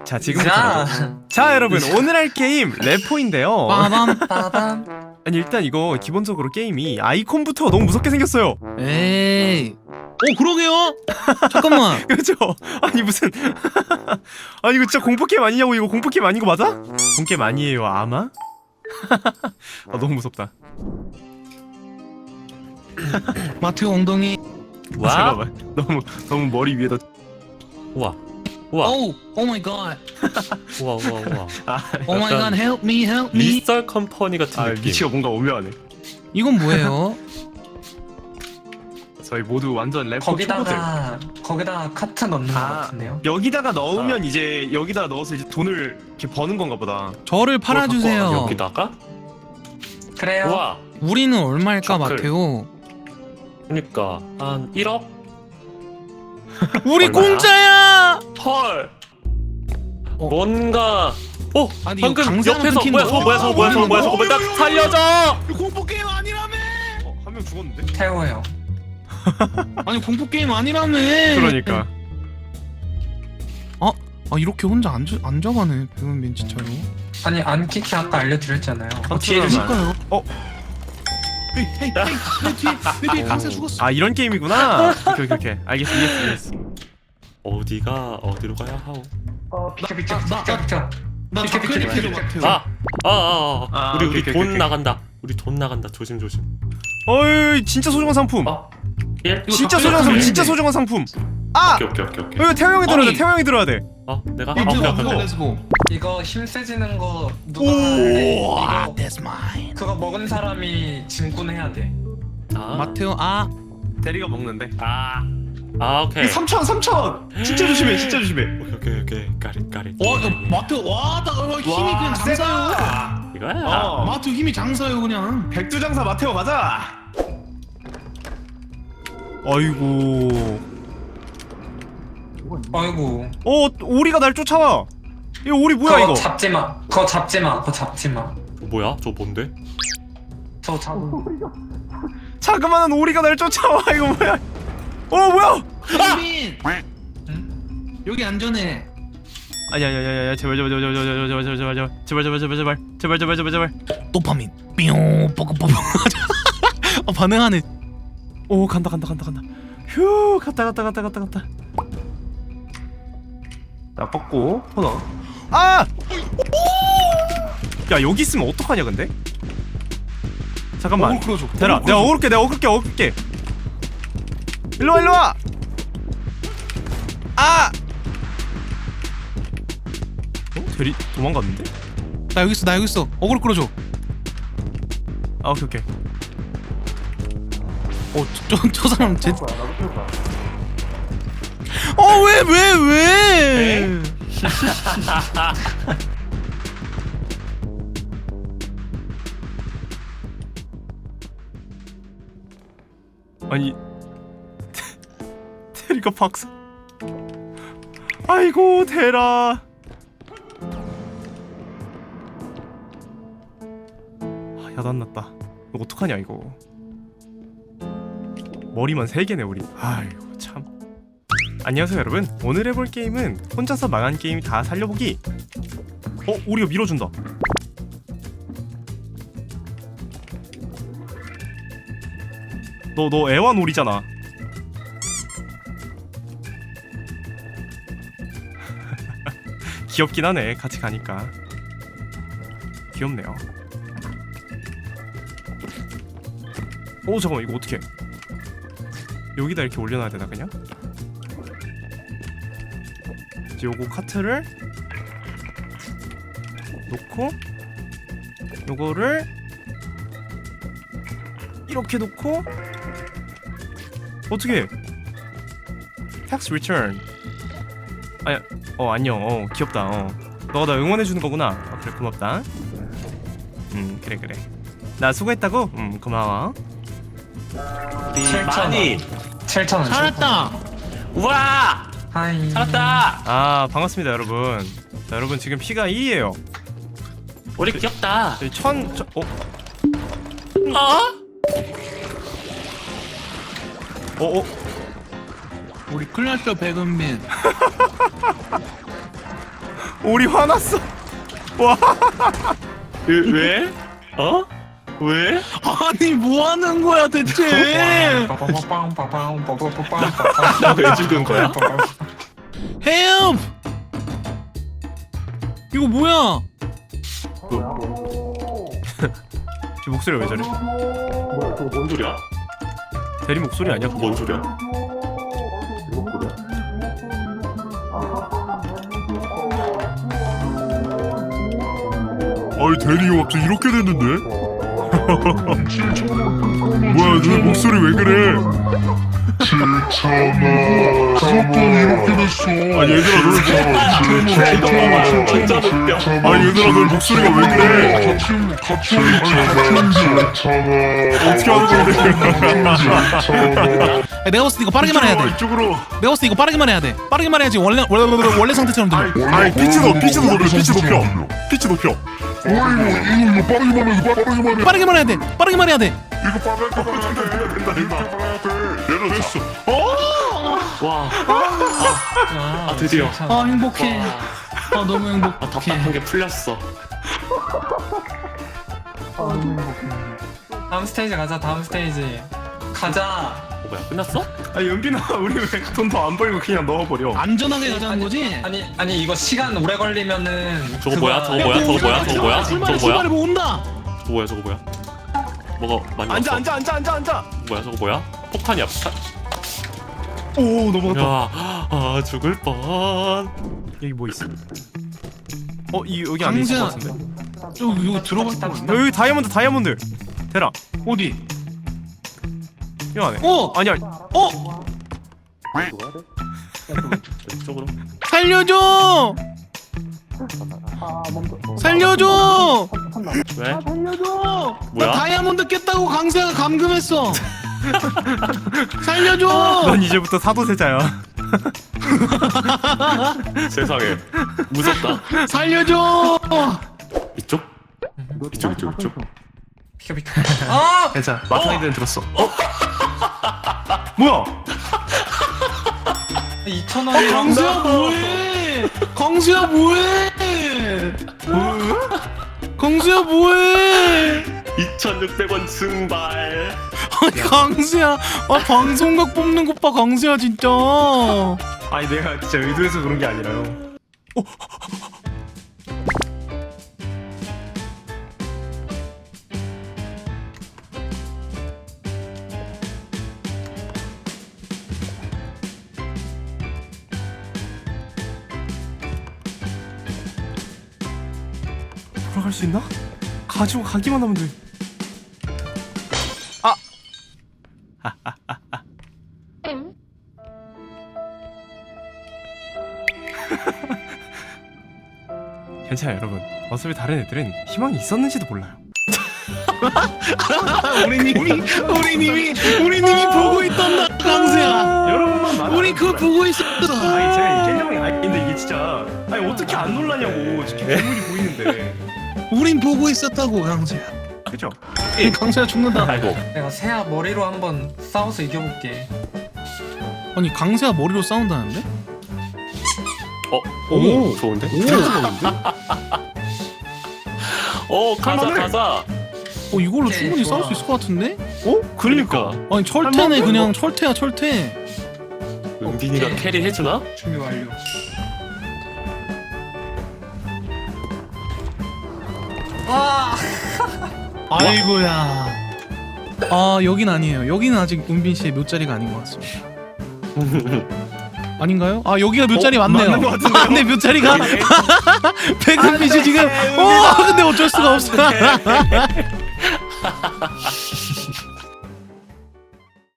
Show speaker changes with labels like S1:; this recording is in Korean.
S1: 자 지금부터 자 여러분 오늘 할 게임 레포인데요.
S2: 빠밤 빠밤.
S1: 아니 일단 이거 기본적으로 게임이 아이콘부터 너무 무섭게 생겼어요.
S2: 에이. 그러게요. 잠깐만.
S1: 그렇죠? 아니 무슨 아니 이거 진짜 공포게임 아니냐고. 이거 공포게임 아닌 거 맞아? 공포게임 아니에요 아마? 아 너무 무섭다.
S2: 마트 엉덩이.
S3: 와.
S1: 잠깐만 너무 머리 위에다.
S3: 우와. 우와.
S2: 오 마이 갓.
S3: 우와 우와 우와.
S2: 오 마이 갓. help me help me.
S3: 리썰 컴퍼니 같은 느낌.
S1: 미치가 뭔가 오묘하네.
S2: 이건 뭐예요?
S1: 저희 모두 완전 래퍼 초보들.
S4: 거기다가 카트 넣는 거 같은데요?
S1: 여기다가 넣으면 이제 여기다 넣어서 이제 돈을 이렇게 버는 건가 보다.
S2: 저를 팔아주세요.
S3: 여기다가?
S4: 그래요?
S3: 우와.
S2: 우리는 얼마일까
S3: 저클.
S2: 마테오?
S3: 그니까 한 1억?
S2: 우리
S3: 얼마야?
S2: 공짜야.
S3: 헐. 뭔가. 오.
S2: 아니,
S3: 방금
S2: 이거 강사랑
S3: 옆에서
S2: 끊긴
S3: 뭐야
S2: 거.
S3: 저거 뭐야 저거 뭐야 저거 뭐야 저거 뭐야 나 살려줘.
S2: 공포 게임 아니라며.
S1: 한 명 죽었는데?
S4: 태우예요.
S2: 아니 공포 게임 아니라며.
S1: 그러니까.
S2: 아 이렇게 혼자 앉아가네 백은민 진짜로.
S4: 아니 안키키 아까 알려드렸잖아요.
S1: 뒤에 좀
S2: 그러니까요. 헤이 내 뒤에 강사 죽었어.
S1: 아 이런 게임이구나. 오케이 알겠어 이해했어.
S3: 어디로 가야 하오?
S4: 비켜.
S2: 나
S4: 비켜,
S2: 자클릭
S4: 비켜,
S2: 해줘
S4: 비켜.
S2: 마테오.
S3: 우리
S1: 오케이.
S3: 돈 나간다. 우리 돈 나간다. 조심.
S1: 어이 진짜 소중한 상품.
S3: 예?
S1: 진짜
S2: 이거
S1: 소중한 상품.
S2: 다
S1: 진짜 소중한 상품. 아!
S3: 오케이.
S1: 이거 태호 형이 들어야 돼.
S2: 아니.
S1: 태호 형이 들어야 돼.
S3: 내가
S2: 이거
S3: 오케이.
S2: 누가 렛츠고.
S4: 이거 힘 세지는 거 누가 하는데 이거
S2: That's mine.
S4: 그거 먹은 사람이 짐꾼 해야 돼.
S2: 마테오
S1: 대리가 먹는데.
S3: 오케이.
S1: 3,000. 진짜 조심해.
S3: 오케이. 까리.
S2: 이거 마테오 나 힘이 그냥 장사요.
S3: 이거야.
S2: 마테오 힘이 장사요 그냥.
S1: 백두장사 마테오 가자. 아이고.
S4: 아이고.
S1: 오리가 날 쫓아와. 이거 오리 뭐야
S4: 그거
S1: 이거?
S4: 잡지 마.
S3: 뭐야? 저 뭔데?
S4: 저
S1: 자그마한 오리가 날 쫓아와. 이거 뭐야? 뭐야?
S2: 백은민.
S4: 응?
S2: 여기 안전해.
S1: 아니야 제발
S2: 도파민. 뿅 뽀뽀뽀. 반응하네.
S1: 오 간다. 휴 갔다. 나 뻗고 터너. 야 여기 있으면 어떡하냐 근데? 잠깐만.
S2: 끌어줘.
S1: 대라. 내가 어글게. 일로 와. 대리 도망갔는데?
S2: 나 여기 있어. 어그로 끌어줘.
S1: 오케이.
S2: 저 사람 제. 왜?
S1: 아니 대리가 박사. 아이고 대라. 야단났다. 이거 어떡하냐 이거. 머리만 3개네 우리. 아이고 참. 안녕하세요 여러분. 오늘 해볼 게임은 혼자서 망한 게임 다 살려보기. 우리가 밀어준다. 너 애완오리잖아. 귀엽긴 하네 같이 가니까. 귀엽네요. 잠깐만 이거 어떡해. 여기다 이렇게 올려놔야 되나 그냥? 이제 요거 카트를 놓고 요거를 이렇게 놓고 어떻게 tax return. 안녕. 귀엽다. 너가 나 응원해주는 거구나. 그래 고맙다. 그래 나 수고했다고? 고마워.
S4: 7,000원.
S2: 살았다.
S3: 우와!
S4: 하이.
S3: 살았다!
S1: 반갑습니다 여러분. 자, 여러분 지금 피가 2예요.
S3: 우리 귀엽다.
S2: 우리 큰일 났어 백은민.
S1: 우리 화났어. 와.
S3: 왜? 어? 왜?
S2: 아니 뭐 하는 거야 대체?
S3: 왜 죽은 거야?
S2: 헬프! 이거 뭐야?
S1: 지 목소리 왜 저래?
S3: 뭔 소리야?
S1: 대리 목소리 아니야?
S3: 뭔 소리야?
S5: 아니 대리가 갑자기 이렇게 됐는데? 뭐야 너 목소리 왜 그래? 이렇게 됐어. 아니 얘들아
S3: 완전 웃겨.
S5: 아니 얘들아 너 목소리가 왜 그래? 어떻게 하는 건데?
S2: 내가 봤을 때 이거 빠르게만 해야 돼.
S5: 이쪽으로.
S2: 내가 봤을 때 이거 빠르게만 해야 돼. 빠르게만 해야지 원래 상태처럼 들려.
S5: 아니 피치 높여. 피치 높여. 이거
S2: 빠르게만 해야 돼. 빠르게만 해야 돼.
S5: 내려졌어.
S3: 와. 아 드디어.
S2: 아 행복해. 아 너무
S3: 아
S2: 행복해.
S3: 답답한 게 풀렸어.
S4: 다음 스테이지 가자. 다음 스테이지 가자.
S3: 뭐야 끝났어?
S1: 아니 연빈아 우리 왜 돈 더 안 벌고 그냥 넣어버려?
S2: 안전하게 가자는 거지?
S4: 아니 이거 시간 오래 걸리면은
S3: 저거 뭐야? 저거 뭐야? 저거 뭐야? 저거 뭐야?
S2: 출발해
S3: 저거 뭐야?
S2: 출발해 뭐 온다.
S3: 저거 뭐야? 저거 뭐야? 뭐가 많이
S1: 앉아
S3: 왔어?
S1: 앉아.
S3: 뭐야? 저거 뭐야? 폭탄이야 폭탄.
S1: 오 넘어갔다.
S3: 야, 아 죽을 뻔.
S1: 여기 뭐 있어? 여기 안에 있을 것 같은데?
S2: 여기 들어가.
S1: 여기 다이아몬드. 대라.
S2: 어디?
S1: 이 안에.
S2: 어
S1: 아니야.
S3: 이쪽으로.
S2: 살려줘. 살려줘.
S3: 왜?
S2: 살려줘.
S3: 뭐야?
S2: 나 다이아몬드 깼다고 강세가 감금했어. 살려줘.
S1: 넌 이제부터 사도세자야.
S3: 세상에 무섭다.
S2: 살려줘.
S3: 이쪽? 이쪽.
S4: 비켜. 아!
S1: 괜찮아. 마타이드는 들었어. 뭐야?
S4: 2,000원이랑
S2: 강수야 뭐해? 강수야 뭐해? 강수야 뭐해?
S3: 2,600원 증발.
S2: 아니 강수야, 방송각 뽑는 것 봐 강수야 진짜.
S1: 아니 내가 진짜 의도해서 그런 게 아니라요. 돌아갈 수 있나? 가지고 가기만 하면 돼. 괜찮아요 여러분. 어차피 다른 애들은 희망이 있었는지도 몰라요.
S2: 우리님이 보고 있던다 강수야.
S1: 여러분만 말.
S2: 우리 그걸 보고 있었어.
S1: 아니 제가 이게념이 아닌데 이게 진짜 아니 어떻게 안 놀라냐고. 지금 괴물이 보이는데.
S2: 우린 보고 있었다고 강수야.
S1: 그죠?
S2: 강수야 죽는다.
S3: 아이고.
S4: 내가 새야 머리로 한번 싸워서 이겨볼게.
S2: 아니 강수야 머리로 싸운다는데?
S3: 오 좋은데? 가자.
S2: 이걸로
S4: 오케이,
S2: 충분히
S4: 좋아.
S2: 싸울 수 있을 것 같은데?
S1: 그러니까.
S2: 아니 철퇴네 그냥 철퇴야 철퇴.
S3: 은빈이가
S4: 오케이.
S3: 캐리 해주나?
S4: 준비 완료. 와!
S2: 아이고야. 아 여긴 아니에요. 여기는 아직 은빈 씨의 묘자리가 아닌 것 같습니다. 아닌가요? 아 여기가 묘자리 맞네요.
S1: 맞는 것 같은데요?
S2: 네 묘자리가 백은빛이 지금. 근데 어쩔 수가 없어.